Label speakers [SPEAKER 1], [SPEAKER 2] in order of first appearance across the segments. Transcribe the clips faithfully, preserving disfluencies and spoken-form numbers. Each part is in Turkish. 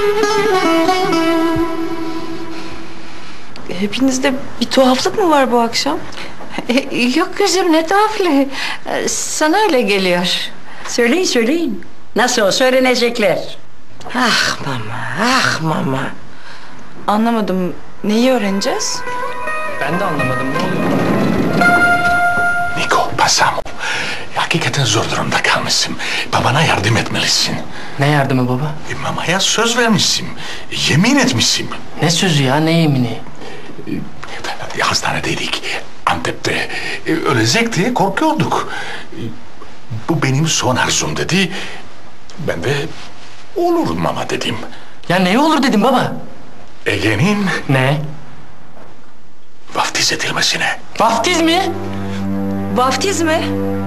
[SPEAKER 1] Hepinizde bir tuhaflık mı var bu akşam?
[SPEAKER 2] Yok kızım, ne tuhaflığı. Sana öyle geliyor. Söyleyin söyleyin. Nasıl olsa öğrenecekler.
[SPEAKER 1] Ah mama, ah mama. Anlamadım. Neyi öğreneceğiz?
[SPEAKER 3] Ben de anlamadım. Ne oluyor?
[SPEAKER 4] Niko, Pasamo. Hakikaten zor durumda kalmışsın. Babana yardım etmelisin.
[SPEAKER 3] Ne yardımı baba?
[SPEAKER 4] E, mamaya söz vermişsin. Yemin etmişsin.
[SPEAKER 3] Ne sözü ya, ne yemini?
[SPEAKER 4] E, hastanedeydik. Antep'te. E, ölecek diye korkuyorduk. E, bu benim son arzum dedi. Ben de olur mama dedim.
[SPEAKER 3] Ya ne olur dedim baba?
[SPEAKER 4] Ege'nin
[SPEAKER 3] Ne?
[SPEAKER 4] vaftiz edilmesine.
[SPEAKER 3] Vaftiz mi?
[SPEAKER 1] Vaftiz mi?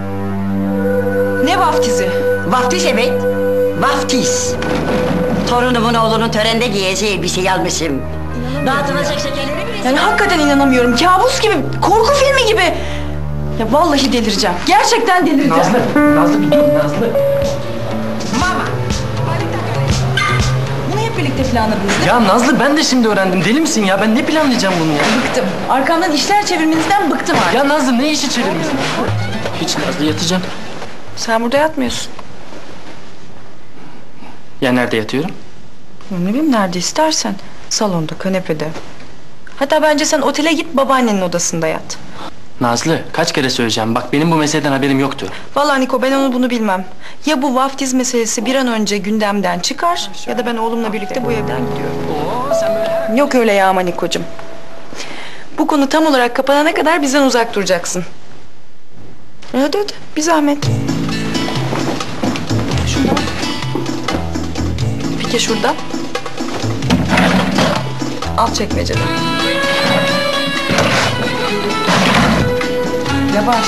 [SPEAKER 1] Ne vaftizi?
[SPEAKER 2] Vaftiz evet. Vaftiz. Torunumun oğlunun törende giyeceği elbiseyi almışım. Dağıtılacak şekerleri bile...
[SPEAKER 1] Yani hakikaten inanamıyorum. Kabus gibi, korku filmi gibi. Ya vallahi delireceğim. Gerçekten delireceğim.
[SPEAKER 3] Nazlı, Nazlı bir dur Nazlı.
[SPEAKER 2] Mama.
[SPEAKER 1] Bunu hep birlikte planladınız değil mi?
[SPEAKER 3] Ya Nazlı, ben de şimdi öğrendim. Deli misin ya? Ben ne planlayacağım bunu ya?
[SPEAKER 1] Bıktım. Arkamdan işler çevirmenizden bıktım artık.
[SPEAKER 3] Ya Nazlı, ne işi çevirmişsin? Hiç Nazlı, yatacağım.
[SPEAKER 1] Sen burada yatmıyorsun.
[SPEAKER 3] Ya nerede yatıyorum?
[SPEAKER 1] Ne bileyim, nerede istersen. Salonda, kanepede. Hatta bence sen otele git, babaannenin odasında yat.
[SPEAKER 3] Nazlı, kaç kere söyleyeceğim. Bak, benim bu meseleden haberim yoktu.
[SPEAKER 1] Vallahi Niko, ben onu bunu bilmem. Ya bu vaftiz meselesi bir an önce gündemden çıkar ya da ben oğlumla birlikte bu evden gidiyorum.
[SPEAKER 3] Oo, sen böyle...
[SPEAKER 1] Yok öyle ya ama Nikocuğum. Bu konu tam olarak kapanana kadar bizden uzak duracaksın. Hadi hadi, bir zahmet. Şurada. Peki şurada. Alt çekmecede. Yavaş.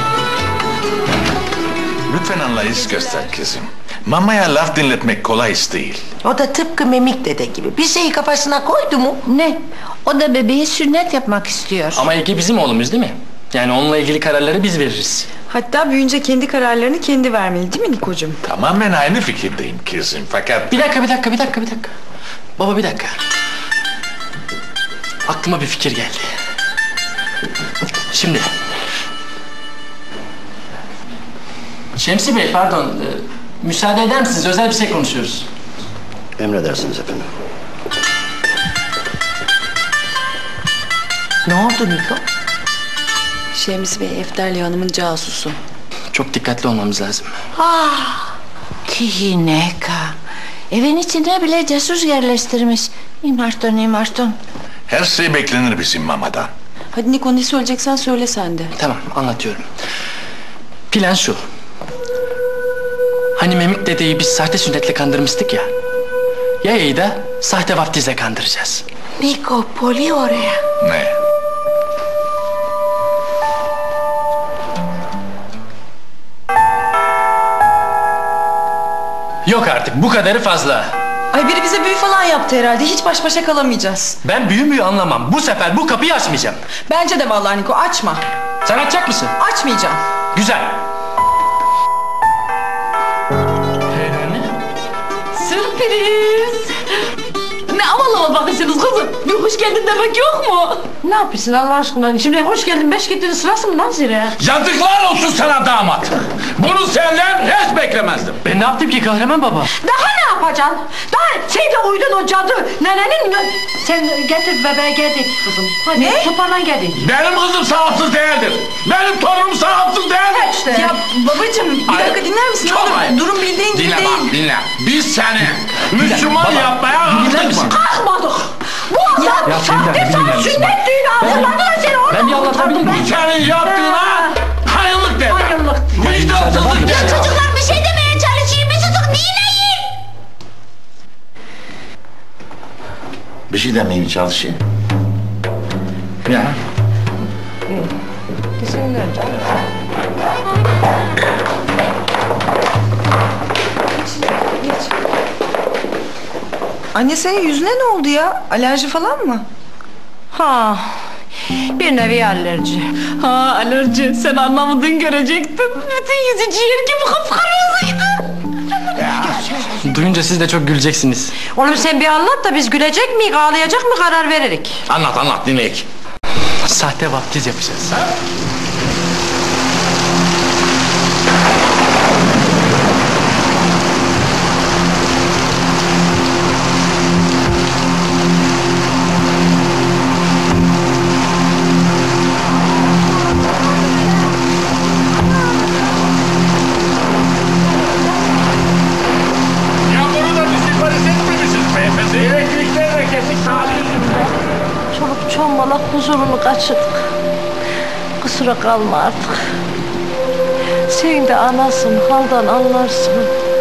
[SPEAKER 4] Lütfen anlayış göster kızım. Mamaya laf dinletmek kolay iş değil.
[SPEAKER 5] O da tıpkı Memik dede gibi. Bir şeyi kafasına koydu mu?
[SPEAKER 2] Ne? O da bebeğe sünnet yapmak istiyor.
[SPEAKER 3] Ama Ege bizim oğlumuz değil mi? Yani onunla ilgili kararları biz veririz.
[SPEAKER 1] Hatta büyüyünce kendi kararlarını kendi vermeli değil mi Nikocuğum?
[SPEAKER 4] Tamamen aynı fikirdeyim kızım fakat...
[SPEAKER 3] Bir dakika, bir dakika, bir dakika, bir dakika. Baba bir dakika. Aklıma bir fikir geldi. Şimdi... Şemsi Bey, pardon. E, müsaade eder misiniz? Özel bir şey konuşuyoruz.
[SPEAKER 6] Emredersiniz efendim.
[SPEAKER 5] Ne oldu Niko?
[SPEAKER 1] Şemsi Bey, Efterli Hanım'ın casusu.
[SPEAKER 3] Çok dikkatli olmamız lazım.
[SPEAKER 2] Ah! Kihineka. Evin içine bile casus yerleştirmiş. İmarton, imarton.
[SPEAKER 4] Her şey beklenir bizim mamadan.
[SPEAKER 1] Hadi Niko, ne söyleyeceksen söyle sen de.
[SPEAKER 3] Tamam, anlatıyorum. Plan şu. Hani Memik dedeyi biz sahte sünnetle kandırmıştık ya. Yaya'yı da sahte vaftizle kandıracağız.
[SPEAKER 5] Niko, Poli oraya.
[SPEAKER 4] Ne?
[SPEAKER 3] Yok artık, bu kadarı fazla.
[SPEAKER 1] Ay, biri bize büyü falan yaptı herhalde. Hiç baş başa kalamayacağız.
[SPEAKER 3] Ben büyü müyü anlamam. Bu sefer bu kapıyı açmayacağım.
[SPEAKER 1] Bence de vallahi Niko, açma.
[SPEAKER 3] Sen açacak mısın?
[SPEAKER 1] Açmayacağım.
[SPEAKER 3] Güzel.
[SPEAKER 7] Sürpriz! Ne havalı havalı bakıyorsunuz kızım? Bir hoş geldin demek yok mu?
[SPEAKER 2] Ne yapıyorsun Allah aşkına? Şimdi hoş geldin, beş gittin sırası mı lan zire?
[SPEAKER 8] Yazıklar olsun sana damat. Bunu senden hiç beklemezdim.
[SPEAKER 3] Ben ne yaptım ki kahraman baba?
[SPEAKER 2] Daha ne yapacaksın? Daha şeyde uydun o cadı. Nenenin... Sen getir bebeğe getir kızım. Hadi
[SPEAKER 1] Ne?
[SPEAKER 2] Topana gelin.
[SPEAKER 8] Benim kızım sahipsiz değildir. Benim torunum sahipsiz değildir.
[SPEAKER 2] İşte.
[SPEAKER 1] Ya babacığım, bir
[SPEAKER 8] Hayır,
[SPEAKER 1] dakika dinler misin? Ne
[SPEAKER 8] çok
[SPEAKER 1] olur,
[SPEAKER 8] hayır.
[SPEAKER 1] durum bildiğin gibi
[SPEAKER 8] Dinle
[SPEAKER 1] değil.
[SPEAKER 8] bak dinle. Biz seni Müslüman
[SPEAKER 3] baba,
[SPEAKER 8] yapmaya
[SPEAKER 3] dinler
[SPEAKER 8] kalktık
[SPEAKER 3] misin?
[SPEAKER 8] mı?
[SPEAKER 2] Kalkmadık. Bu adam
[SPEAKER 3] Ya
[SPEAKER 2] sahte
[SPEAKER 3] Feride, bir
[SPEAKER 2] sana
[SPEAKER 3] dinler misin?
[SPEAKER 2] sünnet düğünü hazırladılar seni.
[SPEAKER 3] Ben bir anlatabilir miyim?
[SPEAKER 8] Senin yaptığına hayırlık de.
[SPEAKER 2] Hayırlık.
[SPEAKER 8] Vicdansızlık de.
[SPEAKER 2] Ya çocuklar bir şey demeye çalışayım. Bir susun dinleyin.
[SPEAKER 6] Bir şey demeyeyim çalışayım.
[SPEAKER 3] Ya.
[SPEAKER 1] Anne, senin yüzüne ne oldu ya? Alerji falan mı?
[SPEAKER 2] Ha, bir nevi alerji.
[SPEAKER 7] Ha, alerji. Sen anlamadın, görecektin. Bütün yüzü ciğer gibi kıpkırmızıydı.
[SPEAKER 3] Duyunca siz de çok güleceksiniz.
[SPEAKER 5] Oğlum sen bir anlat da biz gülecek miyiz, ağlayacak mı karar veririk.
[SPEAKER 8] Anlat anlat dinleyek.
[SPEAKER 3] Sahte vaftiz yapacağız.
[SPEAKER 8] Yağmuru da bizi parız etmemişiz beyefendi. Elektrikler de kesik
[SPEAKER 5] Çoluk çombalak huzurunu kaçırdık. Kusura kalma artık. Sen de anasın, haldan anlarsın.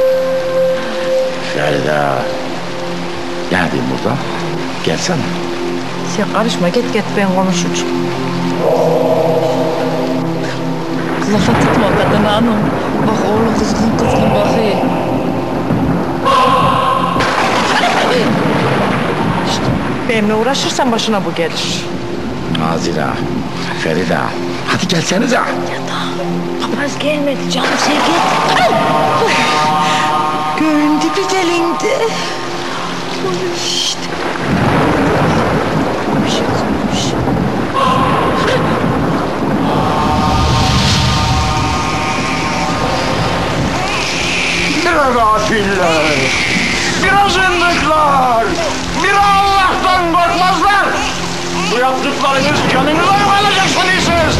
[SPEAKER 6] Feride. Neredeyim burada? Gelsene.
[SPEAKER 5] Sen karışma, git git ben konuşacağım.
[SPEAKER 7] Lafa tutma kadın hanım. Bak oğlu kızgın kızgın bakıyor.
[SPEAKER 5] Benimle uğraşırsan başına bu gelir.
[SPEAKER 6] Nazira. Feride. Hadi gelsenize.
[SPEAKER 5] Papaz gelmedi canım, sen git. Göğün dibi delindi. İşte. Bir şey kalmış.
[SPEAKER 8] Biraz afiller, biraz ındıklar, bir Allah'tan korkmazlar. Bu yaptıklarınız canınıza yok alacaksınız.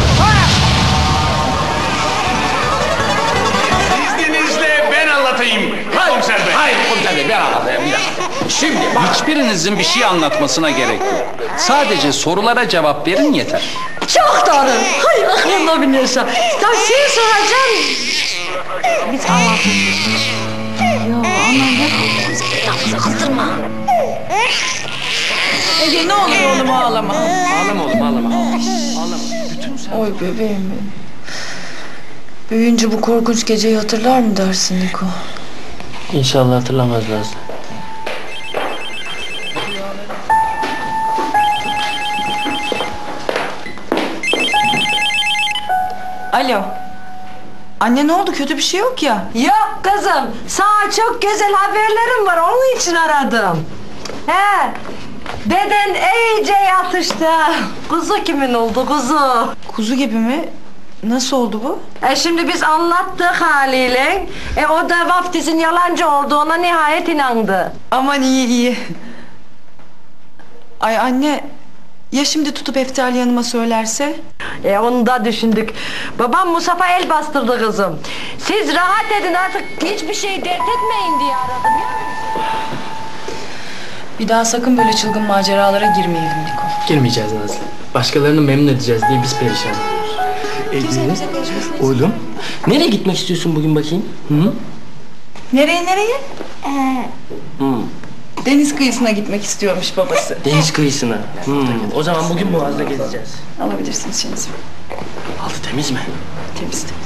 [SPEAKER 8] İzninizle ben anlatayım. Komiser Bey. Hayır komiser Bey ben anlatayım. Şimdi hiçbirinizin bir şey anlatmasına gerek yok. Sadece sorulara cevap verin yeter.
[SPEAKER 5] Çok doğru. Hayır aklımda biliyorsun. Sen şey soracaksın. Biz anlatırız. Ya anam ne yapıyorsun? Kızdırma.
[SPEAKER 1] Ege ne olur oğlum ağlama.
[SPEAKER 3] Ağlama oğlum ağlama. Ağlama.
[SPEAKER 1] Oy bebeğim benim. Büyüyünce bu korkunç geceyi hatırlar mı dersin Niko?
[SPEAKER 3] İnşallah hatırlamaz Nazlı.
[SPEAKER 1] Alo. Anne ne oldu? Kötü bir şey yok ya.
[SPEAKER 5] Yok kızım. Sana çok güzel haberlerim var. Onun için aradım. He. Deden iyice yatıştı. Kuzu kimin oldu kuzu?
[SPEAKER 1] Kuzu gibi mi? Nasıl oldu bu?
[SPEAKER 5] E şimdi biz anlattık haliyle. E o da vaftizin yalancı olduğuna nihayet inandı.
[SPEAKER 1] Aman iyi iyi. Ay anne, ya şimdi tutup Eftali Hanım'a söylerse?
[SPEAKER 5] E onu da düşündük. Babam Musaf'a el bastırdı kızım. Siz rahat edin artık, hiçbir şey dert etmeyin diye aradım ya.
[SPEAKER 1] Bir daha sakın böyle çılgın maceralara girmeyelim Niko.
[SPEAKER 3] Girmeyeceğiz Nazlı. Başkalarını memnun edeceğiz diye biz perişan oluyoruz.
[SPEAKER 1] Ee,
[SPEAKER 3] Oğlum, nereye gitmek istiyorsun bugün bakayım? Hı?
[SPEAKER 1] Nereye nereye?
[SPEAKER 3] Hı.
[SPEAKER 1] Deniz kıyısına gitmek istiyormuş babası.
[SPEAKER 3] Deniz kıyısına. Hı. O zaman bugün Boğaz'da gezeceğiz.
[SPEAKER 1] Alabilirsiniz şeyinizi.
[SPEAKER 3] Altı temiz mi?
[SPEAKER 1] Temiz temiz.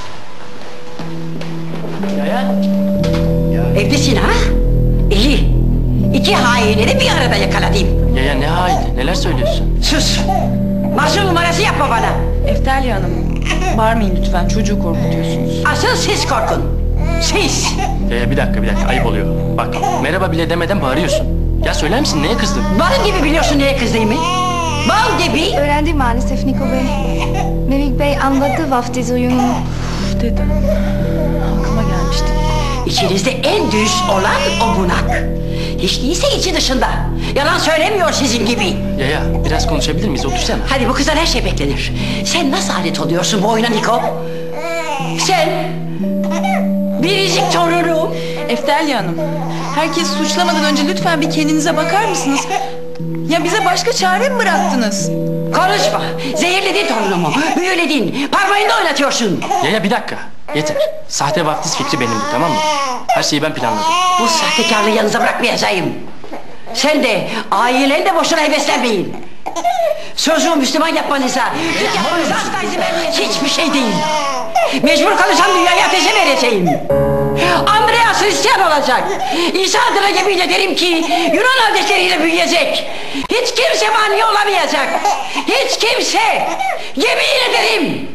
[SPEAKER 3] Yaya.
[SPEAKER 2] Evdesin ha? İyi. İki hainleri bir arada yakaladım.
[SPEAKER 3] Yaya ne haini? Neler söylüyorsun?
[SPEAKER 2] Sus. Masum numarası yapma bana.
[SPEAKER 1] Eftali Hanım, bağırmayın lütfen. Çocuğu korkutuyorsunuz.
[SPEAKER 2] Asıl siz korkun. Siz.
[SPEAKER 3] Yaya bir dakika bir dakika ayıp oluyor. Bak merhaba bile demeden bağırıyorsun. Ya söyler misin neye kızdın?
[SPEAKER 2] Bal gibi biliyorsun neye kızdığımı. Bal gibi.
[SPEAKER 9] Öğrendim maalesef Niko Bey. Memik Bey anladı vaftiz oyununu.
[SPEAKER 1] Dedim. Aklıma gelmişti.
[SPEAKER 2] İçinizde en dürüst olan o bunak. Hiç değilse içi dışında. Yalan söylemiyor sizin gibi.
[SPEAKER 3] Yaya biraz konuşabilir miyiz? Otursana.
[SPEAKER 2] Hadi bu kızdan her şey beklenir. Sen nasıl alet oluyorsun bu oyuna Niko? Sen biricik torunum.
[SPEAKER 1] Eftali Hanım, herkes suçlamadan önce lütfen bir kendinize bakar mısınız? Ya bize başka çare mi bıraktınız?
[SPEAKER 2] Konuşma. Zehirledin torunumu. Büyüledin. Parmağında oynatıyorsun.
[SPEAKER 3] Yaya bir dakika. Yeter. Sahte vaftiz fikri benimdi tamam mı? Her şeyi ben planladım.
[SPEAKER 2] Bu sahtekarlığı yanınıza bırakmayacağım. Sen de ailen de boşuna heveslenmeyin. Sözümü Müslüman yapmanıza, Türk yapmanıza asla izin vermeyeceğim. Hiçbir şey değil. Mecbur kalırsam dünyayı ateşe vereceğim. Andreas Hristiyan olacak. İsa adına yemin ederim ki Yunan adetleriyle büyüyecek. Hiç kimse mani olamayacak. Hiç kimse. Yemin ederim.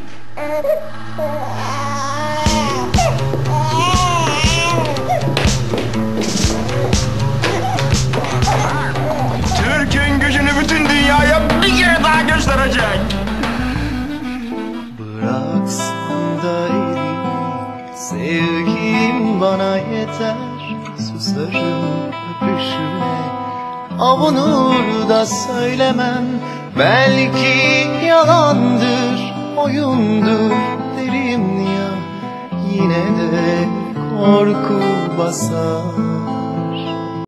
[SPEAKER 10] bıraksan da elini, sevgim bana yeter, susarım öpüşüne. Avunur da söylemem, belki yalandır, oyundur derim ya, yine de korku basar.